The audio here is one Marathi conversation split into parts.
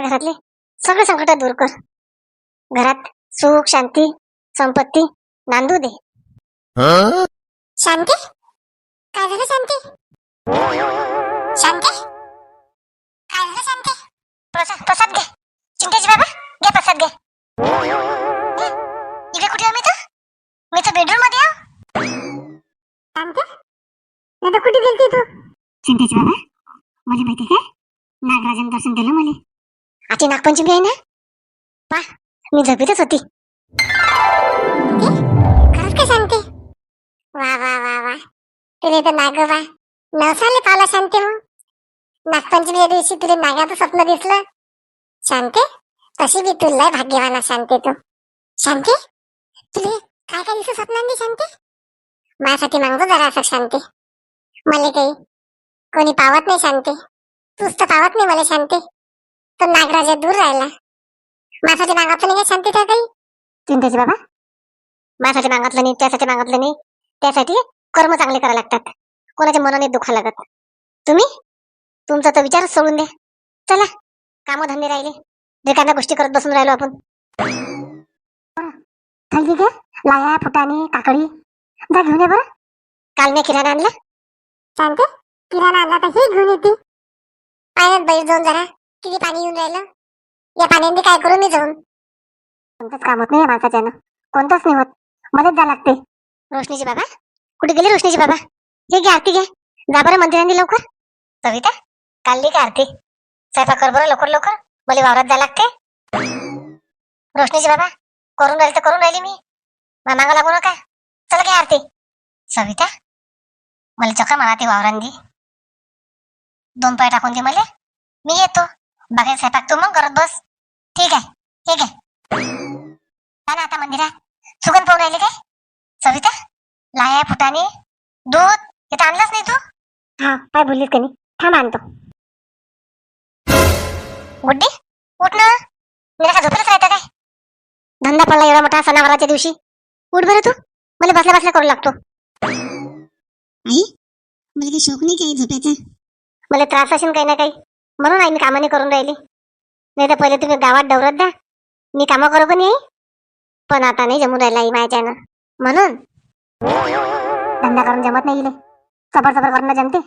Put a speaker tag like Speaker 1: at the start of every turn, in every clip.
Speaker 1: घरातले सगळे संकट दूर कर. घरात सुख शांती संपत्ती नांदू दे. शांती, काय झालं शांती? शांती, काय झालं शांती? प्रसाद घे. चिंतेची बाबा घे प्रसाद घे. इकडे कुठे आहे? मी तर बेडरूम मध्ये आहे. शांती, आता कुठे गेलती तू? चिंतेची बाबा मला माहिती काय, नागराजन दर्शन दिलं मला. आजची नागपंचमी आहे ना. पा मी झोपेतच होती. खरंच काय शांती? वा वा वा वा, तुला तर नागोबा नवसाले पावला शांती. मग नागपंचमीच्या दिवशी तुला नागाचं स्वप्न दिसलं शांती. तशी बी तुला भाग्यवान शांती तू. शांती, तुला काय काय दिसत स्वप्नांनी शांती? माझ्यासाठी मागतो जरा असं शांती. मला काही कोणी पावत नाही शांती. तूच तर पावत नाही मला शांती. तो नागराजा दूर राहिला. माझ्यासाठी मागतलं नाही का शांती? त्या काही चिंतेची बाबा माझ्यासाठी मागतलं नाही, त्यासाठी मागतलं नाही. त्यासाठी कर्म चांगले करावे लागतात. कोणाच्या मनाने दुखा लागत. तुम्ही तुमचा तर विचारच सोडून द्या. चला कामधंदे राहिले, रिकाम्या गोष्टी करत बसून राहिलो आपण. खाली घे लाया फुटाणे काकडी जा घेऊन ये बरं. काल मी किराणा आणला शांती. किराणा आणला तर हे घेऊन येते. पाण्यात बैल जाऊन जरा किती पाणी येऊन राहिलं. या पाण्याने काय करू मी जाऊन? कोणतंच काम होत नाही माणसाच्यानं, कोणतंच नाही होत. मदत द्या लागते. रोशनीची बाबा कुठे गेली? रोशनीची बाबा हे घे आरती घे. जा बरं मंदिरांनी लवकर. सविता काढली का आरती? स्वयंपाक कर बरं लवकर लवकर, मला वावरात जायला लागते. रोशनीची बाबा करून राहिली तर करून राहिली मी, मामाला लागू नका. चला घे आरती. सविता मला चक्कर मारा ती वावरांनी. 2 पाय टाकून दे मला, मी येतो. बाकी स्वयंपाक तू मग करत बस. ठीक आहे. हे घे. ना आता मंदिरात सुगंध पाहून राहिले काय? सविता लाया फुटाणे दूध हे तर आणलंच नाही तू. हा काय बोललीस का नाही? थांब आणतो. गुड्डी उठ ना. मी का झोपेलच राहता काय? धंदा पडला एवढा मोठा सणावाराच्या दिवशी. उठ बरं तू, मला बसल्या बसल्या करू लागतो. आई मला काही शौक नाही काही झोपायचा. मला त्रास असेल काही ना काही, म्हणून आई मी कामाने करून राहिली. नाही तर पहिले तुम्ही गावात डवरत द्या, मी कामं करू पण येई. पण आता नाही जमून राहिला आई माझ्यानं, म्हणून धंदा करून जमत नाही. सबर सबर करणं जमते.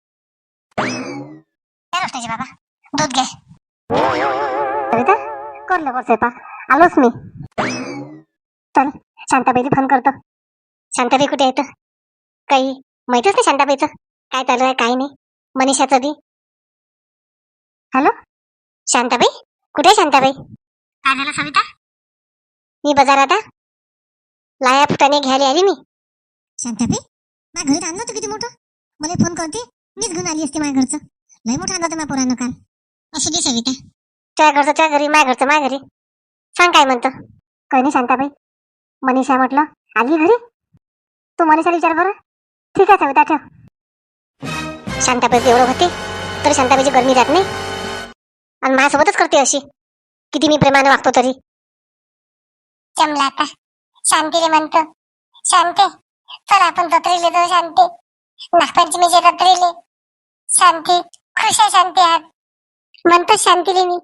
Speaker 1: रोशनीची बाबा दूध घे. सविता कर लवकर स्वयंपाक, आलोच मी. चल शांताबाईला फोन करतो. शांताबाई कुठे येतं? काही माहितच नाही शांताबाईचं काय चालू आहे काय नाही. मनीषाचं बी. हॅलो शांताबाई कुठे आहे? शांताबाई काय झालं सविता? मी बाजारात लाया फुटाणे घ्यायला आली मी. शांताबाई माझ्या घरी आणलं होतं किती मोठं, मला फोन करते मीच घेऊन आली असते. माझ्या घरचं लय मोठं आणलं होतं माझ्या पोरानं काल. असं दे सविता, त्या घरचं त्या घरी, माझ्या घरचं माझ्या घरी. सांग काय म्हणतं? काही नाही शांताबाई. मनीषा म्हटलं आली घरी. तू मनीषाला विचार बरं. ठीक आहे सविता ठेव. शांताबाई एवढं होते तरी शांताबाईची गरमी जात नाही, आणि माझ्यासोबतच करते अशी. किती मी प्रेमाने वागतो तरी. जमला आता. शांतीले म्हणतो शांती चल आपण जत्रेले जाऊ. शांती नागपंचमीच्या जत्रेले. शांती खुश आहे शांती आज म्हणतो शांतीले मी.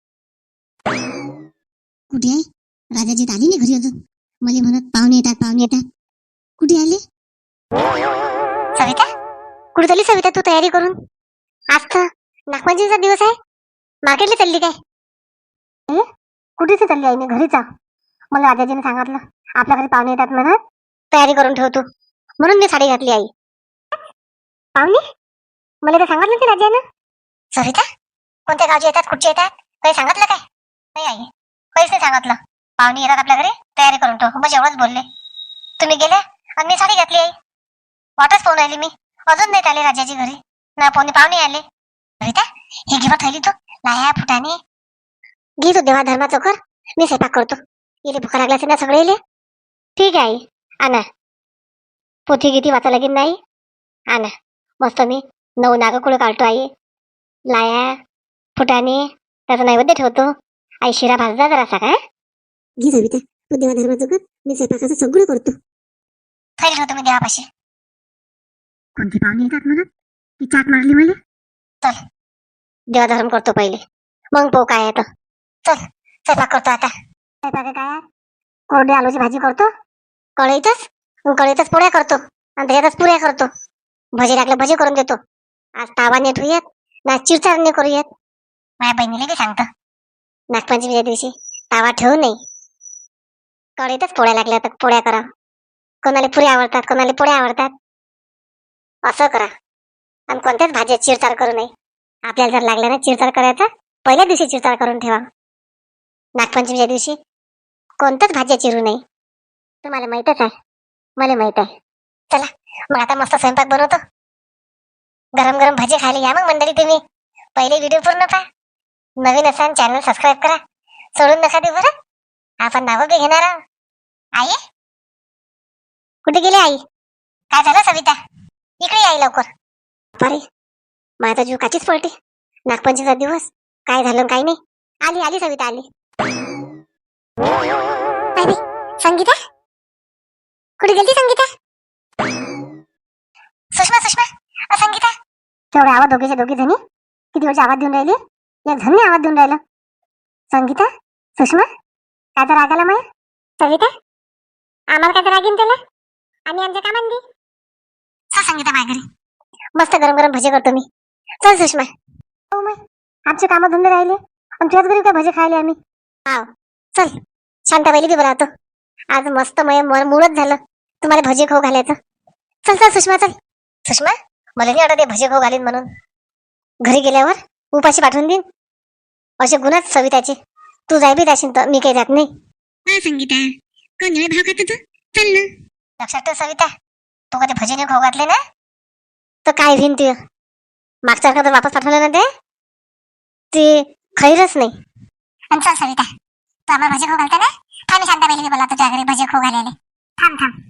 Speaker 1: कुठे आहे राजाजी? आली नाही घरी अजून. मला म्हणत पाहुणे येतात पाहुणे येतात. कुठे आले? सविता कुठे चालली सविता तू तयारी करून? आज तर नागपंचमीचा दिवस आहे. मार्केटला चालली काय? कुठेच चालली आई? मी घरीच आहे. मला राजाजीने सांगितलं आपल्या घरी पाहुणे येतात म्हणत, तयारी करून ठेवतो. म्हणून मी साडी घातली. आई पाहुणे मला तर सांगितलं की राजानं. सविता कोणत्या गावचे येतात कुठचे येतात काही सांगितलं काय? नाही आई काहीच नाही सांगितलं. पाहुणे येतात आपल्या घरी तयारी करून ठेव बस एवढंच बोलले. तुम्ही गेले आणि मी साडी घातली. आई वाटच पाहून राहिली मी. अजून नाही आले राजाची घरी ना पाहुणे आले. सविता हे घेवा थैली तू लाया फुटाणे घे. तू देवा धर्माचं कर, मी स्वयंपाक करतो. इले भुका लागला ना सगळे इले. ठीक आहे आई आणा. पोथी किती वाचा लागेल नाही आणा. मस्त मी 9 नागकुळ काढतो. आई लाया फुटाणे त्याचा नैवेद्य ठेवतो. आई शिरा भाजला जरासा काय घे सविता. तू देवा धर्माचं कर, मी स्वयंपाकाचं सगळं करतो. थैली ठेवतो मी देवापाशी. कोणते पाहुणे येतात म्हणत ती चाट मारली मला. चल देवा धर्म करतो पहिले, मग पाहू काय येतं. चल स्वयंपाक करतो आता. स्वयंपाक काय? कोरडी आलूची भाजी करतो, कढईतच पोळ्या करतो आणि त्याच्यातच पुऱ्या करतो. भजे टाकले भजे करून देतो. आज तावा नेट होऊयात ना चिरचारणे करूयात. माझ्या बहिणीला बी सांगतो नागपंचमीच्या दिवशी तावा ठेवू नये, कढईतच पोळ्या लागल्या तर पोळ्या करा. कोणाला पुऱ्या आवडतात, कोणाला पोळ्या आवडतात, असं करा. आणि कोणत्याच भाज्या चिरचार करू नये. आपल्याला जर लागल्या ना चिरचार करायचा, पहिल्या दिवशी चिरचार करून ठेवा. नागपंचमीच्या दिवशी कोणत्याच भाज्या चिरू नये. तुम्हाला माहितच आहे, मला माहित आहे. चला मग आता मस्त स्वयंपाक बनवतो. गरम गरम भजे खायला या मग मंडळी तुम्ही. पहिले व्हिडिओ पूर्ण पहा. नवीन असाल चॅनल सबस्क्राईब करा. सोडून नका देऊ बरं. आपण नावं बी घेणार आहोत. आई कुठे गेली आई? काय झालं सविता? इकडे आई लवकर. अरे माझा जीव काचीच पडते. नागपंचमीचा दिवस काय झालं काय नाही. आली आली सविता आली. अरे संगीता कुठे गेली संगीता? सुषमा सुषमा संगीता. तेवढे आवाज दोघी जणी किती वेळची आवाज देऊन राहिली. एक झणी आवाज देऊन राहिलं. संगीता सुषमा काय तर रागाला माया? सविता आम्हाला काय तर रागीन त्याला आणि आमच्या कामांनी. संगीता माझ्या घरी मस्त गरम गरम भजे करतो मी. चल सुषमा. हो मग आमचे कामं धंदे राहिले आणि तुझ्याच घरी काय भजे खायले आम्ही. हाव चल. शांताबाईला बी बरं होतं. आज मस्त मूळच झालं तुम्हाला भजे खाऊ घालायचं. चल चल सुषमा चल. सुषमा मला नाही वाटत भजे खाऊ घालीन म्हणून. घरी गेल्यावर उपाशी पाठवून देईन. असे गुन्हाच सविताचे. तू जाय बी जाशील तर मी काही जात नाही. हा संगीता कोण भाव खातो तू? चल ना. लक्षात ठेव सविता, तू कधी भजे नाही खाऊ घातले ना तर काय होईन ते. मागच्या तर वापस पाठवलं ना ते खैरच नाही. आणि चल सविता तू आम्हाला भजे खाऊ घालता ना. आम्ही शांताबाईला बोला तुझ्या घरी भजे खाऊ घालायला. थांब थांब.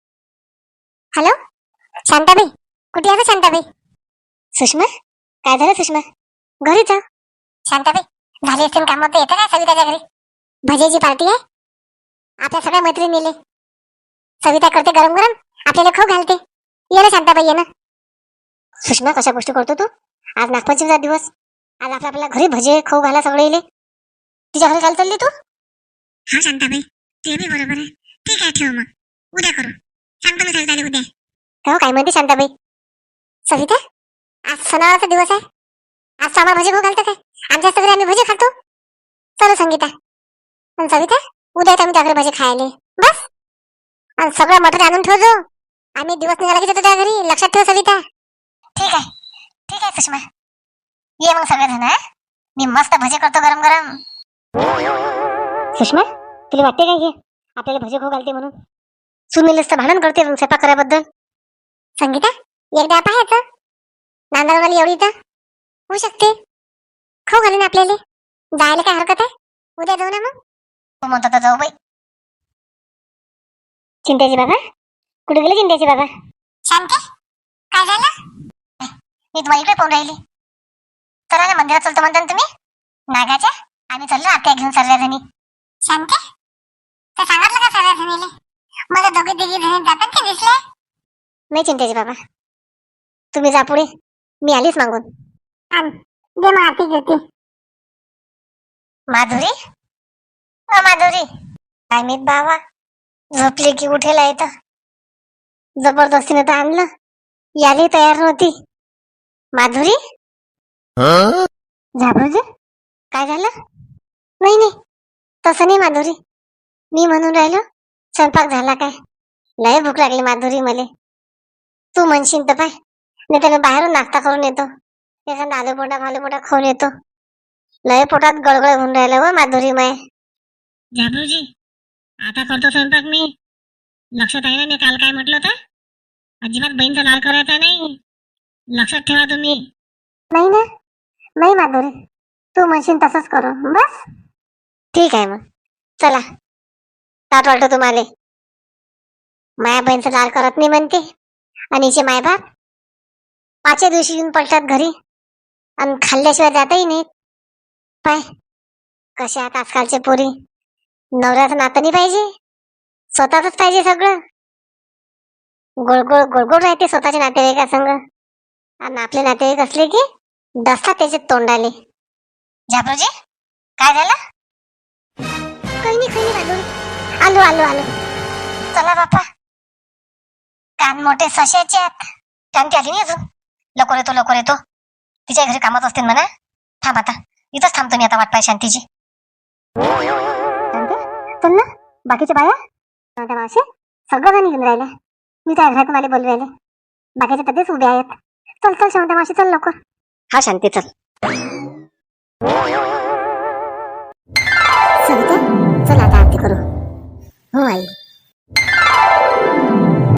Speaker 1: हॅलो शांताबाई कुठे आहे शांताबाई? सुषमा काय झालं सुषमा? घरी जा. शांताबाई झाली असतील काम तर येतं काय सविताच्या घरी? भजेची पार्टी आहे. आपल्या सगळ्या मैत्रिणी नेले. सविता करते गरम गरम आपल्याला खाऊ घालते. ये ना शांताबाई ये ना. सुषमा कशा गोष्टी करतो तू? आज नागपंचमीचा दिवस. आज आपल्याला घरी भजे खाऊ घाला सगळे इले. तिच्या घरी काय चालली तू? हा शांताबाई ते बी बरोबर आहे. ठीक आहे ठेव मग उद्या करू. सांगतो मी सविताला उद्या. हो काय म्हणते शांताबाई? सविता आज सणावारचा दिवस आहे. आज आम्हाला भजे खाऊ घालतं काय? आमच्या घरी आम्ही भजे खातो. चलो संगीता. आणि सविता उद्या आम्ही त्या घरी भजे खायले बस. आणि सगळं मटण आणून ठेवतो. आम्ही दिवस निघाला की जातो त्या घरी. लक्षात ठेव सविता. ठीक आहे सुषमा. ये मग सगळेजण. मी मस्त भजे करतो गरम गरम. सुषमा तुला वाटते काय हे आपल्याला भजे खाऊ घालते म्हणून? सुनीलच तर भांडण करते स्वयंपाक करायबद्दल. संगीता एकदा पाहायचं नांदरवाली एवढी तर होऊ शकते. खाऊ घालीन आपल्याला. जायला काय हरकत आहे? उद्या जाऊ ना मग. तू म्हणतो तर जाऊ बाई. चिंट्याची बाबा कुठे गेले? चिंट्याची बाबा. शांती काय झालं? मी तुम्हाला इकडे पाहून राहिली. चला ना मंदिरात चलतो म्हणता ना तुम्ही नागाच्या. आम्ही चाललो आत्या घेऊन सर्व जणी. शांती तर सांगितलं का सर्व जणीले? मला दोघे तिघी जणी जातात की दिसले नाही. चिंट्याची बाबा तुम्ही जा पुढे. मी आलीच मागून. दे मग आरती घेते. माधुरी माधुरी काय मी बाबा झोपली की उठेला येतं. जबरदस्तीने तर आणलं. याली तयार नव्हती. माधुरी झाबरूजी काय झालं? नाही नाही तसं नाही माधुरी. मी म्हणून राहिलो स्वयंपाक झाला काय? लय भूक लागली माधुरी मले. तू म्हणशील तर पाय नाही तर बाहेरून नाश्ता करून येतो. एखादा आलू पोटा खाऊन येतो. लय पोटात गळगळ होऊन राहिलं व माधुरी माय. झाबरूजी आता करतो स्वयंपाक मी. लक्षात आहे ना मी काल काय म्हटलं होतं? अजिबात बहीणचा लाल करायचा नाही. लक्षात ठेवा तुम्ही. नाही ना नाही माधुरी तू म्हणशील तसंच करू बस. ठीक आहे मग चला. ताट वाटतो तुम्हाला. माया बहीणचा लाल करत नाही म्हणते. आणि हिचे मायबाप 5 दिवशी येऊन पडतात घरी आणि खाल्ल्याशिवाय जाताही नाहीत. पाय कशा आहेत आजकालचे पोरी. नवऱ्याचं नातं नाही पाहिजे, स्वतःच पाहिजे सगळं. गोळगोळ गोळगोळ राहते स्वतःच्या नातेवाईका संग. आणि आपले नातेवाईक असले की डसतात त्याचे तोंडाले. झापरोजी काय झालं? काही नाही राजू. आलो आलो आलो. चला बापा, कान मोठे सशाचे आहेत. शांती आली नाही अजून. लवकर येतो. तिच्या घरी कामच असतील म्हणा. थांब आता, इथंच थांबतो मी आता वाट पाय शांतीची. शांती चल ना, बाकीचे बाया त्या मावशी सगळं निघून राहिले. मी त्या घरातून आले बोलू राहिले. बाकीचे तसेच उभे आहेत. चल चल शांता मावशी चल लवकर. हा शांती चल. सविता चल आता आरती करू. हो आई.